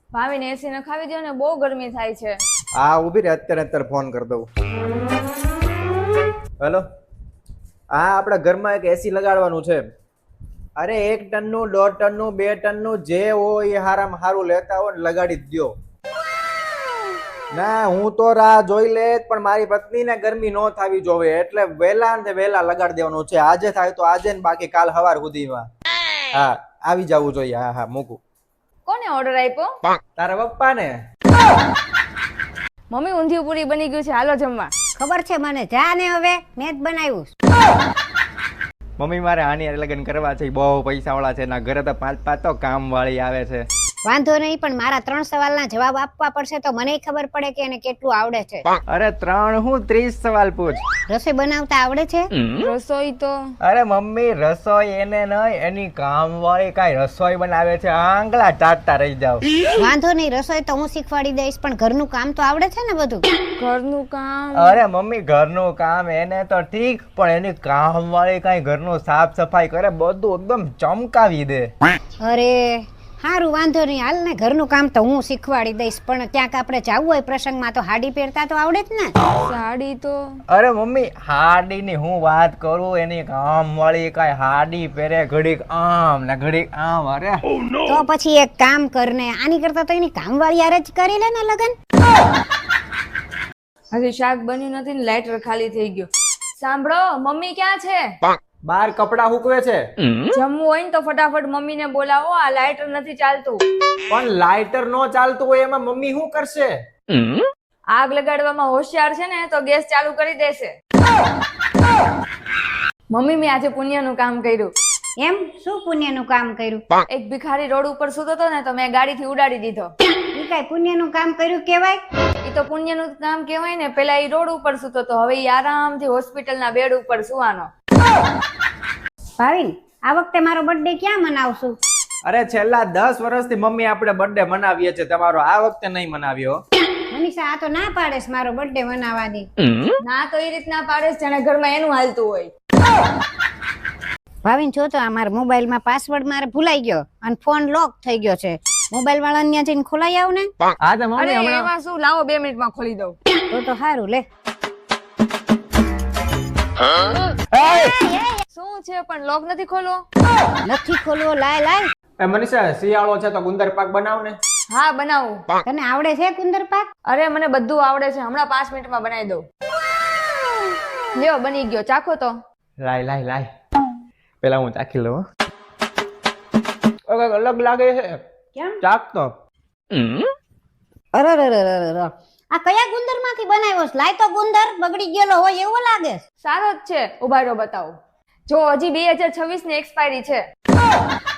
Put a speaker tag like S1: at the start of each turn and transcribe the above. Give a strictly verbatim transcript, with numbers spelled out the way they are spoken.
S1: ભાવીને એસી નખાવી દો ને, બહુ ગરમી થાય છે.
S2: હા ઊભી રે, અત્યારે અત્યારે ફોન કરી દઉં. હેલો, હા આપણા ઘરમાં એક એસી લગાડવાનું છે. અરે એક ટનનું, દોઢ ટનનું, બે ટનનું જે હોય એ હારામાં હારું લેતા હોય ને લગાડી જ દ્યો. ના હું તો રાહ જોઈ લે, પણ મારી પત્નીને ગરમી ન થાવી જોવે એટલે વહેલા ને વહેલા લગાડી દેવાનું છે. આજે થાય તો આજે ને બાકી કાલ સવાર સુધીમાં. હા આવી જવું જોઈએ. હા હા મૂકું.
S1: કોને ઓર્ડર આપ્યો?
S2: તારા પપ્પા ને.
S1: મમ્મી ઊંધિયું પૂરી બની ગયું છે, હાલો જમવા.
S3: ખબર છે મને, જા ને હવે મેં જ બનાવ્યું.
S2: મમ્મી મારે આની હારે લગ્ન કરવા છે, બહુ પૈસા વાળા છે, ના ઘરે તો પાંચ પાંચ તો કામ વાળી આવે છે.
S3: વાંધો નહીં, પણ મારા ત્રણ સવાલના જવાબ આપવા પડશે તો મને ખબર પડે કે એને કેટલું આવડે છે.
S2: અરે ત્રણ હું ત્રીસ સવાલ પૂછ.
S3: રસોઈ બનાવતા આવડે છે?
S1: રસોઈ તો
S2: અરે મમ્મી રસોઈ એને નહીં, એની કામ વાળી કાંઈ રસોઈ બનાવે છે, આંગળા ચાટતા રહી જાવ.
S3: વાંધો નહીં, રસોઈ તો હું શીખવાડી દઈશ, પણ ઘરનું કામ તો આવડે છે ને બધું?
S1: ઘરનું કામ.
S2: અરે મમ્મી ઘરનું કામ એને તો ઠીક, પણ એની કામ વાળી કાંઈ ઘરનું સાફ સફાઈ કરે, બધું એકદમ ચમકાવી દે.
S3: અરે હારું, વાંધો નહીં, હાલ ને ઘરનું કામ તો હું શીખવાડી દઈશ, પણ ક્યાંક આપણે જવું હોય પ્રસંગમાં તો હાડી પહેરતા તો આવડે જ ને?
S1: સાડી તો
S2: અરે મમ્મી હાડી ની હું વાત કરું, એની કામ વાળી કાંઈ હાડી પહેરે, ઘડીક આમ ને ઘડીક આમ. અરે
S3: તો પછી એક કામ કર ને, આની કરતા તો એની કામવાળી હારે જ કરી લે ને લગન.
S1: હજી શાક બન્યું નથી ને લાઇટર ખાલી થઈ ગયું. સાંભળો, મમ્મી ક્યાં છે?
S2: બાર કપડા હુકવે છે.
S1: જમવું હોય ને તો ફટાફટ મમ્મીને બોલાવો, આ લાઇટર નથી ચાલતું.
S2: પણ લાઇટર નો ચાલતું હોય એમાં મમ્મી શું કરશે?
S1: આગ લગાડવામાં હોશિયાર છે ને તો ગેસ ચાલુ કરી દેશે. મમ્મી મેં આજે પુણ્યનું કામ કર્યું.
S3: એમ? શું પુણ્યનું કામ કર્યું?
S1: એક ભિખારી રોડ ઉપર સૂતો હતો ને તો મેં ગાડીથી ઉડાડી દીધો.
S3: ઈ કાંઈ પુણ્યનું કામ કર્યું કહેવાય?
S1: એ તો પુણ્યનું કામ કહેવાય ને. પેલા એ રોડ ઉપર સૂતો તો, હવે એ આરામથી હોસ્પિટલના બેડ ઉપર સુવાનો.
S3: ભાવિન, આ વખતે મારો બર્થડે ક્યાં મનાવશું?
S2: અરે છેલ્લા દસ વર્ષથી મમ્મી આપણે બર્થડે મનાવીએ છીએ, તમારો આ વખતે નહીં મનાવ્યો.
S3: મનીષા, આ તો ના પાડેસ મારો બર્થડે મનાવવાની.
S1: ના તો એ રીતના પાડે છે, જાણે ઘરમાં એનું હાલતું હોય.
S3: ભાવિન જો તો આ મારા મોબાઈલમાં પાસવર્ડ મારે ભૂલાઈ ગયો અને ફોન લોક થઈ ગયો છે. મોબાઈલ વાળાને ત્યાં જઈને ખોલાઈ આવ ને.
S2: હા તો મમ્મી
S1: અરે
S2: હમણાં
S1: એમાં શું, લાવો બે મિનિટમાં ખોલી દઉં.
S3: તો તો સારું, લે.
S1: શું છે પણ લોક નથી ખોલો?
S3: નથી ખોલવો, લાય લાય.
S2: એ મનીષા શિયાળો છે તો ગુંદર પાક બનાવ ને.
S1: હા બનાવું.
S3: તને આવડે છે ગુંદર પાક?
S1: અરે મને બધું આવડે છે, હમણાં પાંચ મિનિટમાં બનાવી દઉં. લ્યો બની ગયો, ચાખો તો.
S2: લાય લાય લાય, પેલા હું ચાખી લઉં. ઓકે, અલગ લાગે છે.
S3: કેમ?
S2: ચાખ તો.
S3: અરે રે રે રે રે, આ કયા ગુંદર માંથી બનાવ્યો છે? લાય તો ગુંદર બગડી ગયેલો હોય એવો લાગે છે.
S1: સારો જ છે, ઉભા રહો બતાવો. જો હજી બે હજાર છવ્વીસ ની એક્સપાયરી છે.